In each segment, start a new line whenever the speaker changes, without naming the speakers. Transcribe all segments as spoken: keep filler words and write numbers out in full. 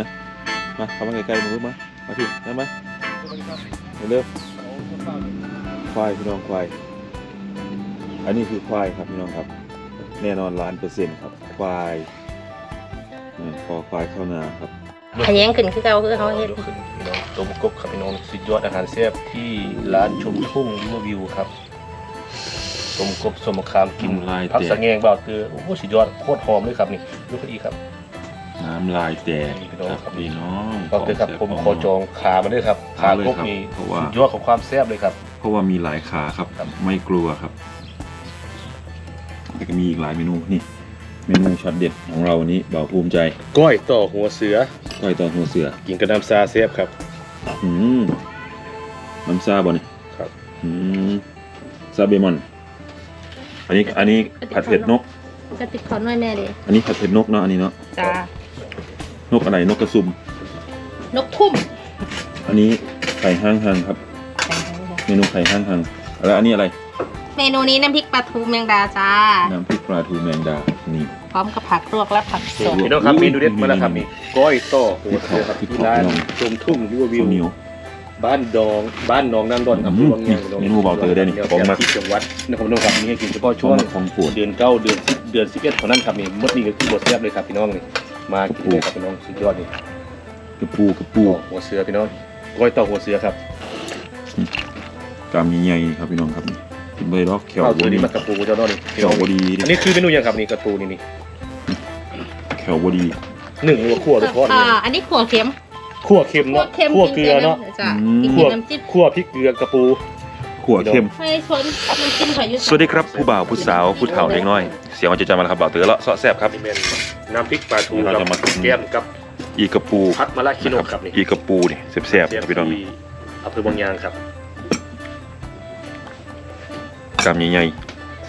มามาเข้ามาใกล้ๆมือมามาพี่มามาเร็วควายพี่น้องควายอันนี้คือควายครับพี่น้องครับแน่นอนล้านเปอร์เซ็นต์ครับควายคอควายเข้านาครับ
ขยันขึ้นคือเก่าคือเขาเฮ็ด
พี่น้องตัวบุกบครับพี่น้องสุดยอดอาหารแซ่บที่ร้านชมทุ่งริเวอร์วิวครับต้มกบสมคามกินผักสะแงงบ่าวเตือโอ้โหสุดยอดโคตรหอมเลยครับนี่ดูพอดีครับ
น้ำลายแตก
พี่น้องครับ
พี่น้อง
บ่าวเตือครับผมขอจองขามาด้วยครับขากบนี่สุดยอดของความแซ่บเลยครับ
เพราะว่ามีหลายขาครับไม่กลัวครับแต่ก็มีอีกหลายเมนูนี่เมนูช็อตเด็ดของเราวันนี้บ่าวภูมิใจ
ก้อยต่อหัวเสือ
ก้อยต่อหัวเสือ
กินกับน้ำซาแซ่บครับ
อืมน้ำซาบ่เนี่ย
ครับ
อืมซาเบมอนอันนี้อันนี้ผัดเผ็ดนก
กระติกขอหน่อยแม่ดิ
อันนี้ผัดเผ็ดนกเนาะอันนี้เนาะ
จ้าน
กอะไรนกกระซุ่ม
นกทุ่ม
อันนี้ไข่ห้างหังครับเมนูไข่ห้างหังแล้วอันนี้อะไร
เมนูนี้น้ำพริกปลาทูแมงดาจ้า
น้ำพริกปลาทูแมงดานี่
พร้อมกับผักลวกและผักสด
พี่น้องครับเมนูเด็ดมาแล้วครับนี่ก้อยต่อหัวเสือครับที่ร้านชมทุ่งริเวอร์วิวบ้านดองบ้านหนองน้ำดอนอำเภอวังยาง
เมนูเบาเตอร์ได้นี่
ของมาที่จังหวัดนครพนมครับมีให้กินเฉพาะช่วงเดือนเก้าเดือนสิบเดือนสิบเอ็ดเท่านั้นครับนี่มดนี่ก็คือบทแซ่บเลยครับพี่น้องนี่มากินเลยครับพี่น้องสุดยอดนี่
กระปูกระปู
หัวเสือพี่น้องก้อยต่อหัวเสือครับ
กามใหญ่ๆครับพี่น้องครับกินใบดอกแขว
บดีมันกระปูเจ้าน้องนี่
แขวบดี
อันนี้คือเมนูยังครับนี่กระปูนี่นี่
แขวบดี
หนึ่งหัวขั่วหรือทอด
อ่าอันนี้ขั่วเค็ม
ขั่วเค็มเนาะขั่วเกลือเนาะขั่วขั่วพริกเกลือกระปู
ขั่วเค็ม
ไม่ชนมันกินขอยุ
สวัสดีครับผู้บ่าวผู้สาวผู้เฒ่าเล็กน้อยเสียงมันจะจำมาแล้วครับบ่าวเต๋อเลาะเสาะแซ่บครับ
น้ำพริกปลาทูเราจะมาแก้มกับ
อีกระปู
พัดมะละคิโนครับนี่
อีกระปูนี่แซ่บๆพี่น้อง
อำเภอบางยางครับ
กามใหญ่ๆ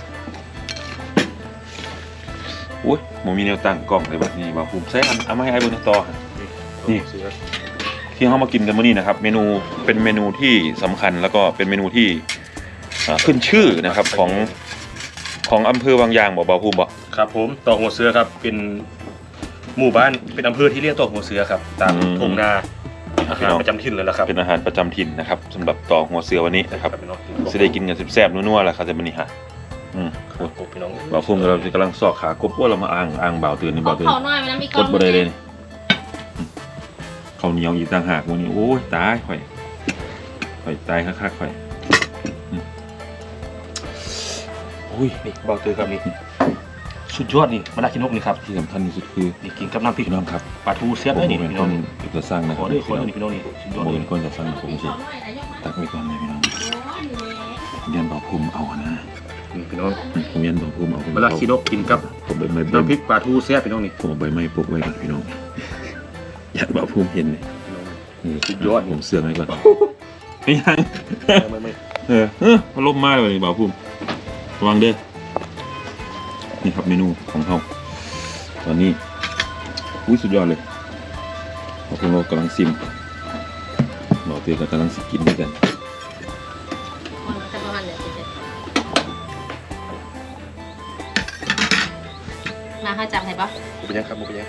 อุ้ยผมมีแนวตั้งกล้องเลยแบบนี้บ่าวภูมิใช้อันเอามาให้ไอ้บนต่อนี่ที่เขามากินกันมื้อนี้นะครับเมนูเป็นเมนูที่สำคัญแล้วก็เป็นเมนูที่ขึ้นชื่อนะครับของของอำเภอวังยางบ่บ่าวภูมิบ่
ครับผมต่อหัวเสือครับเป็นหมู่บ้านเป็นอำเภอที่เรียกต่อหัวเสือครับตามทุ่งนาอาหารประจำถิ่นเลยละครับ
เป็นอาหารประจำถิ่นนะครับสำหรับต่อหัวเสือวันนี้นะครับจะได้กินกันแซ่บๆนัวๆแหละครับจะมื้อนี้ฮะอืม
พี่น้อง
บ่าวภูมิเรากำลังซอกขากบว่าเรามาอ่างอ่างบ่าวตื่นนี่บ่าวตื่นกดบ่ได้เลยข้าวเหนียวอีกต่างหากวันนี้โอ้ยตายข่อยข่อยตายคักๆข่อย
โอ้ยนี่บ่าวตื่นครับนี่สุดยอดนี่มะละกินนกนี่ครับ
ที่สำคัญที่สุดคือ
นี่กินกับน้ำพริก
น้ำครับ
ปลาทูเสียบได้นี่พี่น้อง
จะสร้างนะ
ขอด้วยขอด้วยพี่น้องนี่สุดยอด
เลยคนจะสร้างผมสิตักไว้ก่อนเลยพี่น้องเรียนบ่าวภูมิเอานะ
นี่พี่น้อง
ผมเรียนบ่าวภูมิเอา
มะละกินนกกินกับน้ำพริกปลาทูเสียบพี่น้องนี่
ผมเอาใบไม้ปลูกไว้ก่อนพี่น้องอยากบ่าวภูมิเห็นเลย
สุดยอด
ผมเสื่อมไว้ก่อนไม่ยังเออเออมาล้มมาเลยบ่าวภูมิระวังเด้อนี่ครับเมนูของเขาตอนนี้อุ้ยสุดยอดเลยพวกเรากำลังซิมบ่าวเตยก็กำลังกินด้วยกัน
มาข้าจับให้ปะ
มุกยังครับมุกยัง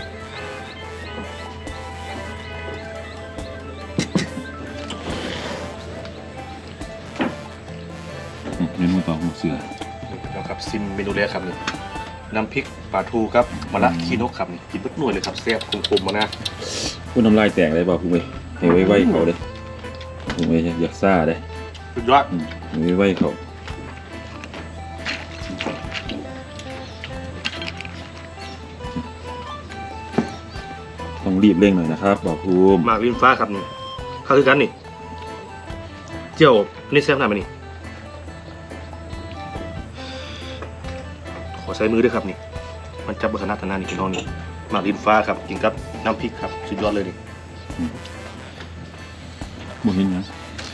เมนูต่อหัวเสือ
นะครับซิมเมนูแรกครับนี่น้ำพริกปลาทูครับมะละคีนกครับนี่กินเบิดหน่วยเลยครับแซ่บคมๆมานะ
พูดน้ำลายแตกเลยบ่าวภูมิให้ไว้ไว้เขาเลยภูมิอยากซ่าเลย
สุดยอด
ไว้ไว้เขาต้องรีบเร่งหน่อยนะครับบ่าวภูมิ
มากริมฟ้าครับนี่ข้าวคือกันนี่เจียวนี่แซ่บหน่อยไหมนี่ขอใช้มือด้วยครับนี่มันจับเบอร์ขนาดขนาดนี้พี่น้องนี่หมากริมฟ้าครับกินกับน้ำพริกครับสุดยอดเลยนี่
บ่เห็นนะ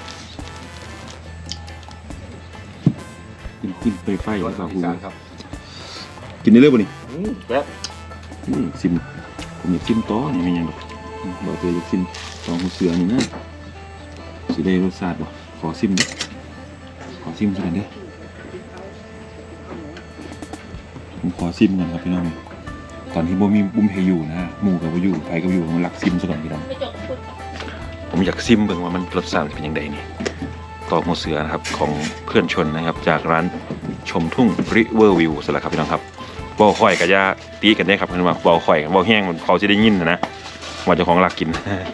กินกินไปไฟแล้วครับคุณกินได้เลยบ่นี่
แบบ
ซิมผมอยากซิมต่อนี่ไม่ยังหรอกบอกเลยอยากซิมต่อหัวเสือนี่นะสิได้รสชาติบ่ขอซิมดิขอซิมสักหน่อยเด้อผมขอซิมก่อนครับพี่น้องตอนที่บ่มีบุ้มเพอยู่นะหมู่กับบ่อยู่ไผกับอยู่ผมรักซิมซะก่อนพี่น้อง
ไม่จบพูด
ผมอยากซิมเบิ่งว่ามันรสชาติเป็นยังไงนี่ตอกหัวเสือนะครับของเพื่อนชนนะครับจากร้านชมทุ่ง River View สละครับพี่น้องครับบ่ค่อยก็อย่าตีกันได้ครับเพิ่นว่าบ่ค่อยบ่แห้งมันเขาสิได้ยินนะนะว่าเจ้าของรักกิน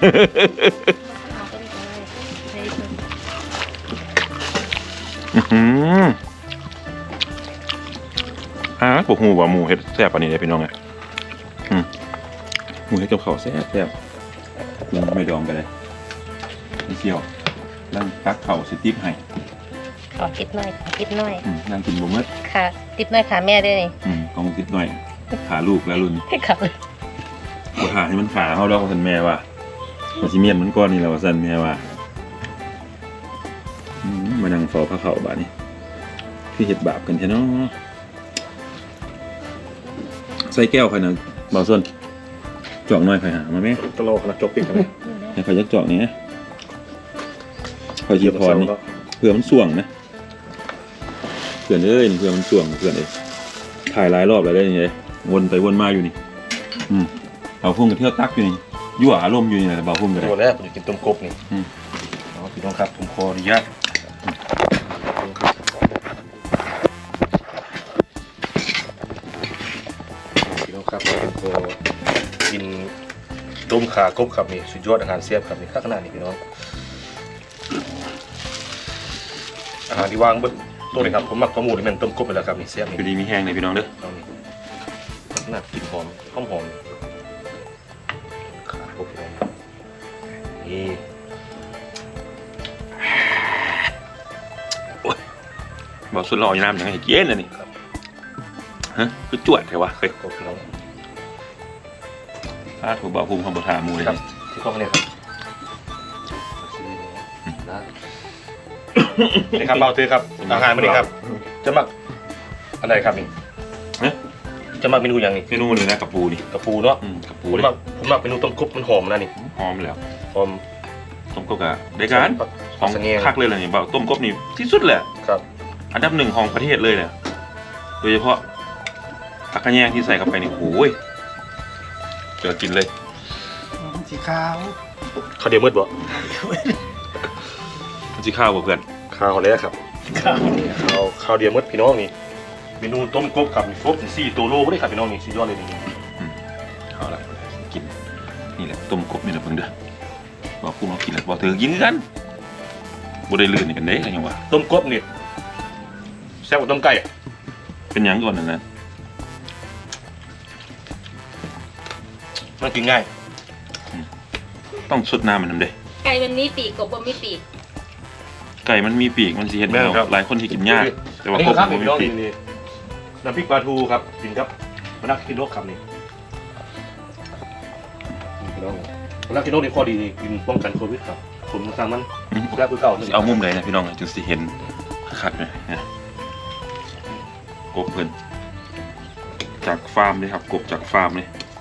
อื้อหืออ่าพวกหมูว่าหมูเฮ็ดแซ่บปานนี้ได้พี่น้องไงอืมหมูเฮ็ดกับข้าวแซ่บแซ่บกินไม่ดองกันเลยนี่เที่ยวนั่งตักข้าวสิติ๊บให้
ขอติดหน่อยขอติดหน่อย
อืมนั่งกินบ่หมด
ค่ะติดหน่อยค่ะแม่ด้วยนี่
อืมกองติดหน่อยขาลูกแล้วรุ่น
ให้ขับ
บ่หาให้มันขาเฮาดอกว่าซั่นแม่ว่าว่าสิเมียนมันก่อนนี่แหละว่าซั่นแม่ว่าอืมมานั่งเฝ้าพระเขาบาดนี้คือเฮ็ดบาปกันแท้เนาะใส่แก้วใครน่ะบ่าวส่วนจอกหน่อยใครหามาแม่
ตลกนะจบปิดกันเลย
ให้ข่อยจักจอกนี้ข่อยสิพรนี่เพื่อมันส่วงนะเพื่อนเอ้ยนี่เพื่อมันส่วงเพื่อนเอ้ยถ่ายหลายรอบแล้วได้ยังไงวนไปวนมาอยู่นี่อืมบ่าวพุ่งก็เที่ยวตักอยู่นี่ยั่วอารมณ์อยู่นี่แหละบ่าวพุ่งก็ได้
ตัวแรกผมจะกินต้มกบนี่
อืม
อ๋อพี่น้องครับผมขออนุญาตพี่น้องครับผมขอกินต้มขากบครับนี่สุดยอดอาหารเสียบครับนี่ข้างหน้านี่พี่น้องอาหารที่วางบนโต๊ะนี่ครับผมมักข้าวหมูที่มันต้มกบไปแล้วครับนี่เสียบนี่
อยู่ดีมีแห้งเลยพี่น้องเด้อ
เอานี่น่ากลินหอมหอมหอมขากบพี่น้องนี่
บ่าวสุดหล่ออยู่น้ำยังไงเย็นน่ะนี่ฮะคือจวดแท้วะเฮ้ย
กบพี่น้อง
ถ้าถูกบ่าวพุ่งของบ่ทาหมูเลย
ครับที่กล้องเนี่ยครับนะนี่ครับเบาเตอครับอาหารมานี่ครับจะมักอะไรครับนี่
ฮะ
จะมักเมนูอย่างนี้
เมนูเลยนะกับปูนี่
กระปูเนาะ
อืมกับ
ผ
ปู
ม
เลย
มักผมมักเมนูต้มกบมันหอมนะนี่
หอมแล้ว
หอม
ต้มกบกะได้การของ
สะเงียง
คักเลยล่ะนี่บ่าวต้มกบนี่ที่สุดแหละ
ครับ
อันดับหนึ่งของประเทศเลยเนี่ยโดยเฉพาะผักกระแยงที่ใส่เข้าไปนี่โอ้ยเจอกินเลย
สีขาว
ข้าวเดียวมืดบ่
มันสิข้าวบ่เพื่อน
ข้าวแล้วครับข้าวข้าวเดียวมืดพี่น้องนี่เมนูต้มกบครับนี่ครบถึงสี่ตัวโลก็ได้ครับพี่น้องนี่สุดยอดเลยนี่
เอาละกินนี่แหละต้มกบนี่แหละเพิ่งเด้อบ่าวพุ่งเอากินแล้วบ่าวเธอกินคือกันบ่ได้ลื่นกันเด้กันยังวะ
ต้มกบนี่แซ่บกว่าต้มไก่
เป็นหยังก่อนนั่นนะ
มันกินง่าย
ต้องสดน้ำมันนำเด้
ไก่มันมีปีกกบบ่มีปีก
ไก่มันมีปีกมันสิเฮ็ดให้เราหลายคนที่กินยากแต่ว่า
นี่
กบ
ครับ
มัน
พี่
มี
น้อง
ปีก
นี่น้ำพริกปลาทูครับกินครับมานักกินโลกครับนี่พี่น้องมานักกินโลกนี่ข้อดีนี่กินป้องกันโควิดครับผมสร้างมันแซ่บคือเก่า
สิเอามุมไหนนะพี่น้องจึงสิเห็นคักๆเลยนะกบเพิ่นจากฟาร์มเลยครับกบจากฟาร์มเลย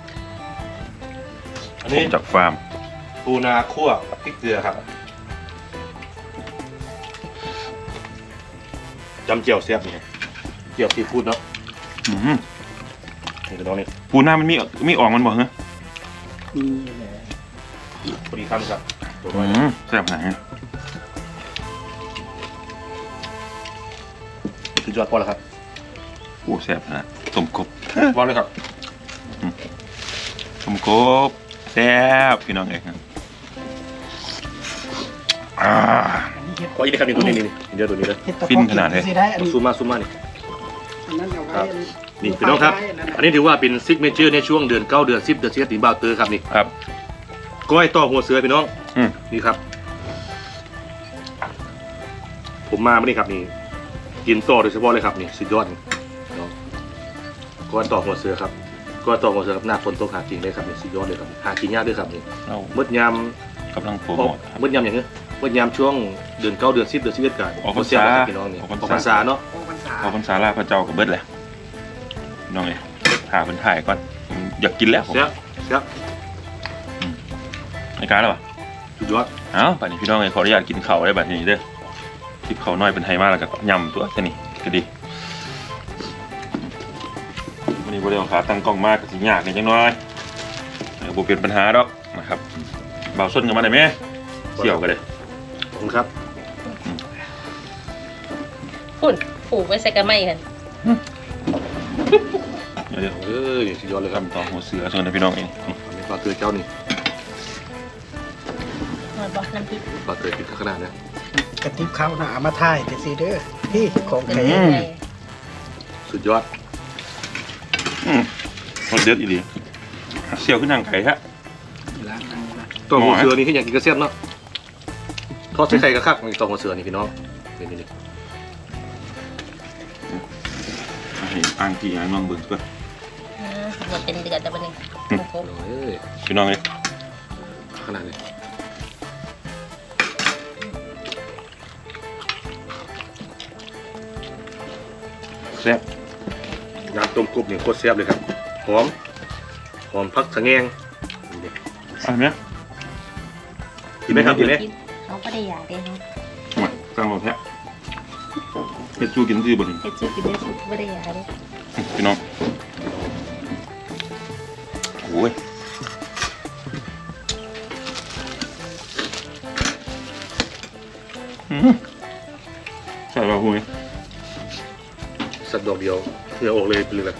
อัน
ก
นี้
บจากฟาร์ม
ปูนาคั่วพริกเกลือครับจำเจียวแซ่บนี่เจียวซีฟู้ดเนาะ
อื้อหือ
นี่พี่น้องนี่
ปูหน้ามันมีมีออกมันบ่เหรอ
มีแหละ
พอดีคำครับตัวน้
อื
อย
มแซ่บหาย
สุดยอดพอแล้วครับ
โอ้แซ่บนะต้มกบ
วางเลยครับ
ต้มกบแซ่บพี่น้องเองครับอ่า
อันนี้เห็ด
ขออีกนะครับนี่ตัวนี้นี่นี่เดี๋ยวตัวนี้เลย
เห็ดตะ
ฟินขนาดไหน
สิได้อันนี้
ซูมมาซูมมานี่
อันนั้นเอาไว้
ครับ
อัน
นี่พี่น้องครับ อันนี้ถือว่าเป็นซิกเนเจอร์ในช่วงเดือนเก้าเดือนสิบเดือนสิบเอ็ดตีบ่าวเตอร์ครับนี่
ครับ
ก้อยต่อหัวเสือพี่น้อง
อืม
นี่ครับ ผมมาไม่ได้ครับนี่กินต่อโดยเฉพาะเลยครับนี่สุดยอดนี่พี่น้องก้อยต่อหัวเสือครับก้อยต่อหัวเสือครับหน้าฝนตกหากินเลยครับนี่สุดยอดเลยครับหากินยากด้วยครับนี่
เรา
มืดยาม
กำลังโปร
อ
โม
อก
ทครับ
มืดยามอย่างเงี้ยมืดยามช่วงเดือนเก้าเดือนสิบเดือนสิบเอ็ดกัน
ออกพรรษา
พี่น้องนี่
อ
อ
อกพรรษา
อกพรรษาเนาะ
โอ้พรรษา
ขอพรรษาลาพระเจ้ากับเบิดแหละพี่น้องเอ้ยหาเพิ่นถ่ายก่อนผมอยากกินแล้วผม
เสียเสีย
ในการแล้วป่ะ
สุดยอด
เอ้าบัดนี้พี่น้องเอ้ยขออนุญาตกินข้าวได้บัดนี้เด้อคลิปข้าวน้อยเป็นไทยมากแล้วก็ยำตัวแค่นี้ก็ดีวันนี้นี่บริเวณขาตั้งกล้องมากกับสิยากเนี่ยจังน้อยบุเป็นปัญหาดอกนะครับเบาส้นกันมาได้ไหมเสี่ยวกันเลย
ขอบคุณครับ
ฝุ่นผูกไว้ใส่กระไม้กัน
เดี๋ยวเดี๋ยว
เอ้ยสุดยอดเลยครับ
ทำต่อหัวเสือส่วนพี่น้องเอง
อันนี้ปลาเตยเจ้านี่
มาบอกน้ำพริก
ปลาเตยปิดขนาดนะ
กระติบข้าวหนามาถ่ายแต่ซีเด้อพี่ของ
เป็น
แท้
ยังไง
สุดยอด
อืมรสเด็ดอีดีเสี่ยวขึ้นทางไก่ฮะ
ล้างน้ำนะ
ตัวหัวเสือนี่ที่อยากกินกระเซียนเนาะทอดใส่ไข่กระคักนี่ตัวหัวเสือนี่พี่น้องนี่นี่นี่
ให้อ่างที่อ่างน้องเบิ่งก่อน
อ่าหมดเป็นเดือนแต่วันหนึงโอ้โห
เอ้ย
พี่น้องเลย
ขนาดนี้แซ่บน้ำต้มกบนี่โคตรแซ่บเลยครับหอมหอมพักสะแงงนี่ดิ
อ่ะเนี้ย
กินไหมครับกินไหม
กินเขาก็ได้อยากได้เนาะ
มาตั้งรถแท้เฮ็ดสู้กินดีบ่นี่
เฮ็ดซุปกินได้ซุปก็ได้อยากได้
พี่น้องโอ้ยอืมใส่ป่ะคุย
สักดอกเดียวเหงื่อออกเลยเป็นเลย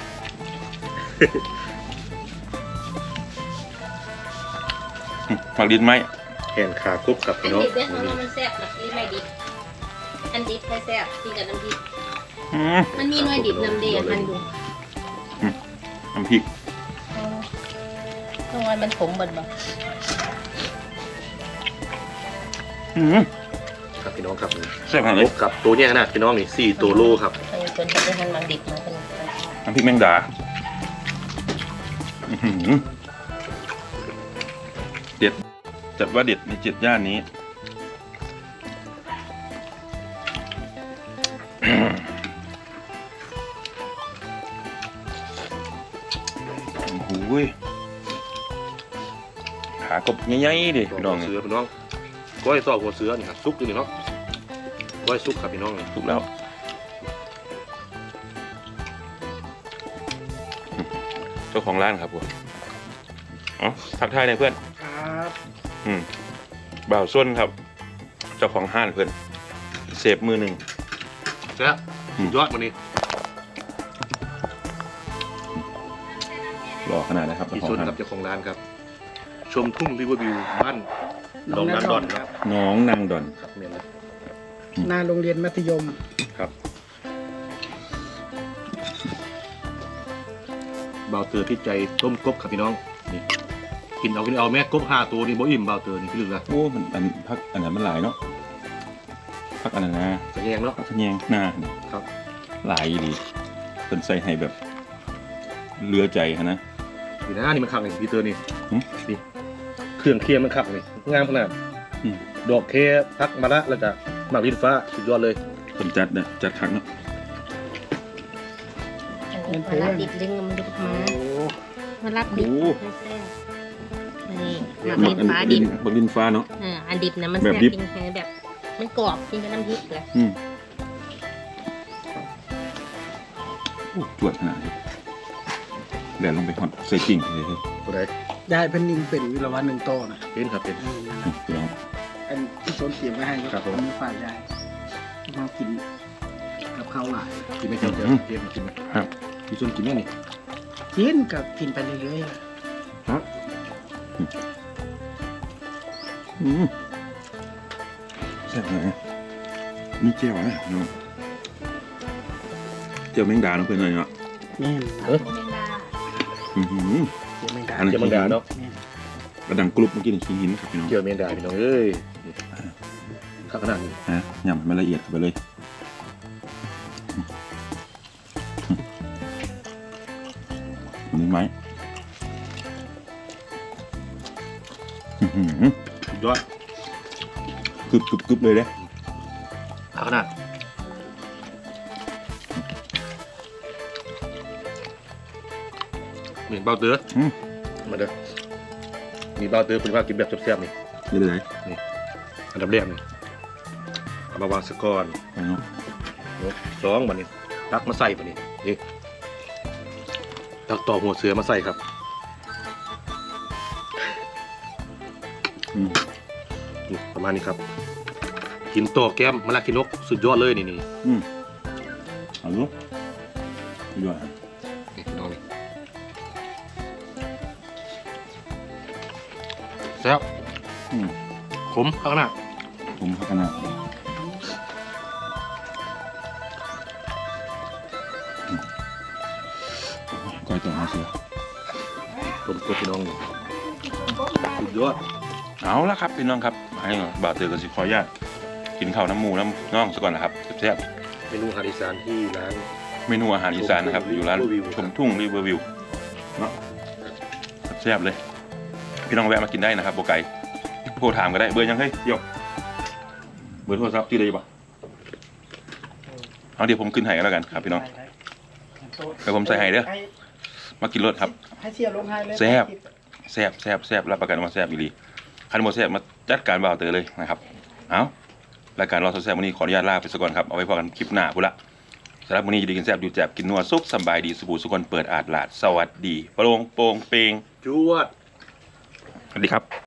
ฝากดินไหม
แขนขากบกับ
อัน
พี่น้อง
ดิบเนี่ยเขาว่ามันแซ่บแบบนี้ไม่ดิบอันดิบไม่แซ่บกินกับน้ำพริก
อืม
มันมีหน่วยดิบน้ำเดียมันดู
น้ำพริก
ตรงนั้นมันขมบ่นบ่
อืม
ครับพี่น้องครับ
แซ่บขนาด
ก
เลย
บกับตัวเนี้ยขนาดพี่น้องนี่สี่ตัวโลครับ
เออคนที่ได้หันมันดิบมาเป็น
น้ำพริกแมงดาอื้อหือเด็ดจัดว่าเด็ดในเจ็ดย่านนี้อืมโอ้โหยขากบใหญ่ๆดิ
ตัว
พี่น้อง
หัวเสือพี่น้องก้อยซอกหัวเสือนี่ครับซุกอยู่นี่เนาะก้อยซุกครับพี่น้องนี่
ถูกแล้วเจ้าของร้านครับผมอ๋อทักทายหน่อยเพื่อน
ครับ
อืมบ่าวส้นครับ เจ้าของห้านเพื่อนเสพมือหนึ่ง
แซ่บสุดยอดวันนี้
หล่อขนาดนะครับ
พี่
เจ้าข
ช
อง
น
ห้าน
กับเจ้าของร้านครับ ชมทุ่งริเวอร์วิวบ้านหนองนันดอนครับ
น้องนางดอน
ครับเมียนเลย
หน้าโรงเรียนมัธยม
ครับเบาเตอร์พี่ใจต้มกบครับพี่น้องนี่กินเอากินเอาแม่กบห้าตัวนี่บ่อิ่มเบาเตอร์นี่พี่ลึกละ
โอ้มันอันพักอันนั้นมันหลายเนาะพักอันนั้นนะ
จะแยงเนาะ
พักขะแยงหน้า
ครับ
หลายดีเป็นใส่ให้แบบเลือใจฮะนะ
อยู่นะนี่มันคักนี่พี่เตอร์นี่
หืม
นี่เครื่องเคียงมันคักนี่งามขนาด
อืม
ดอกเคพักมะระแล้วก็หมากลิ้นฟ้าสุดยอดเลย
คนจัดเนี่ยจัดครั้งเนาะ
อันนี้มาลาบดิบดึงมันดิบมา
โอ้
มาลาบดิบไม่แซ่บนี่หมัก
หมั
ลิ้นฟ้าดิบ
บักดินฟ้าเนาะ
อ่าอันดิบนะมัน
แบ
แซ่
บบ ดิบ
กินแค่แบบ มันกรอบกินกับน้ำพริกเลย
อืมโอ้จวดขนาดนี้แหลนลงไปหอดใส่กิ่งเลยเฮ้ย
ตัวใด
ยายเพิ่นยิงเป็นวิรวันหนึ่งโตนะ
เป็นครับเป็น
อืม
นี่พี่น้อง
อันที่สนเตรียมไว้ให้
ครับผม
มีฝ่ายยายเรากินกับข้าวหลาย
กินไม่เจ้าเจ้าเทียมกินไหม
ครับ
พี่ชนกินไหมนี่
กินกับกินไปเรื่อยๆอะ
ครับ
อืมแซ่บเลยนี่เจียวนะน้องเจียวแมงดาเนาะเพื่อนเลยเนาะ
แม่น
เออ
แมงดา
อือหือ
เจียวแมงดา
อันนั้น
เจียวมังดาเนาะ
แม่น
กระดังกรุบเมื่อกี้นี่ขี้หินครับพี่น้อง
เจียวเมียนดาพี่น้องเอ้ยนี่ข้าวขนาดนี้
ฮะยำให้มันละเอียดเข้าไปเลยนี่ไหมอื้อหือ
สุดยอด
กึบกึบกึบเลยเด้
ข้าวขนาดเหมือนเบาเตอร์
อืม
มาเด้อมีเบาเตอร์เป็นว่ากินแบบแซ่บๆนี่
นี่เลย
อันดับแรกนี่เอามาวางสะก้อน
ไปเนาะ
ยกสองบันนี้ตักมาใส่บันนี้นี่ตักต่อหัวเสือมาใส่ครับ
อืม
นี่ประมาณนี้ครับ กินต่อแก้มมะละกินนกสุดยอดเลยนี่นี่
อืมเอาลูกยอดครับ
นี่พี่น้องนี่แซ่บ
อืม
ขมข้างหน้า
ผมพักกันนะอืมก้อยต่อมาเสือ
ต้มกบพี่น้องนี่สุดยอด
เอาละครับพี่น้องครับให้บ่าวเตือกับสิขออนุญาตกินข้าวน้ำหมูน้ำน่องซะก่อนนะครับแซ่บ
เมนูอาหารอีสานที่ร้าน
ๆเมนูอาหารอีสานนะครับอยู่ร้านชมทุ่งรีเวอร์วิวเนาะแซ่บเลย พี่น้องแวะมากินได้นะครับโบไก่โทรถามก็ได้เบอร์ยังเฮ้ยเดี๋ยวเบอร์โทรศัพท์ที่เลยปะเอาเดี๋ยวผมขึ้นให้กันแล้วกันครับพี่น้องเดี๋ยวผมใส่ให้เด้อมากินรสครับ
ให้เชียร์ลงให้เลย
แซ่บ แซ่บแซ่บแซ่บรับประกันว่าแซ่บอีหลีคันโมแซ่บมาจัดการบ่าวเตอเลยนะครับเอารายการรอแซ่บวันนี้ขออนุญาตลาไปสักก่อนครับเอาไว้พอกันคลิปหน้าพุ่นละสำหรับวันนี้อยู่ดีกินแซ่บอยู่แจบกินนัวซุปสบายดีสบู่สุกคนเปิดอาดลาดสวัสดีโปร่งโปร่งเปง
จวด
สวัสดีครับ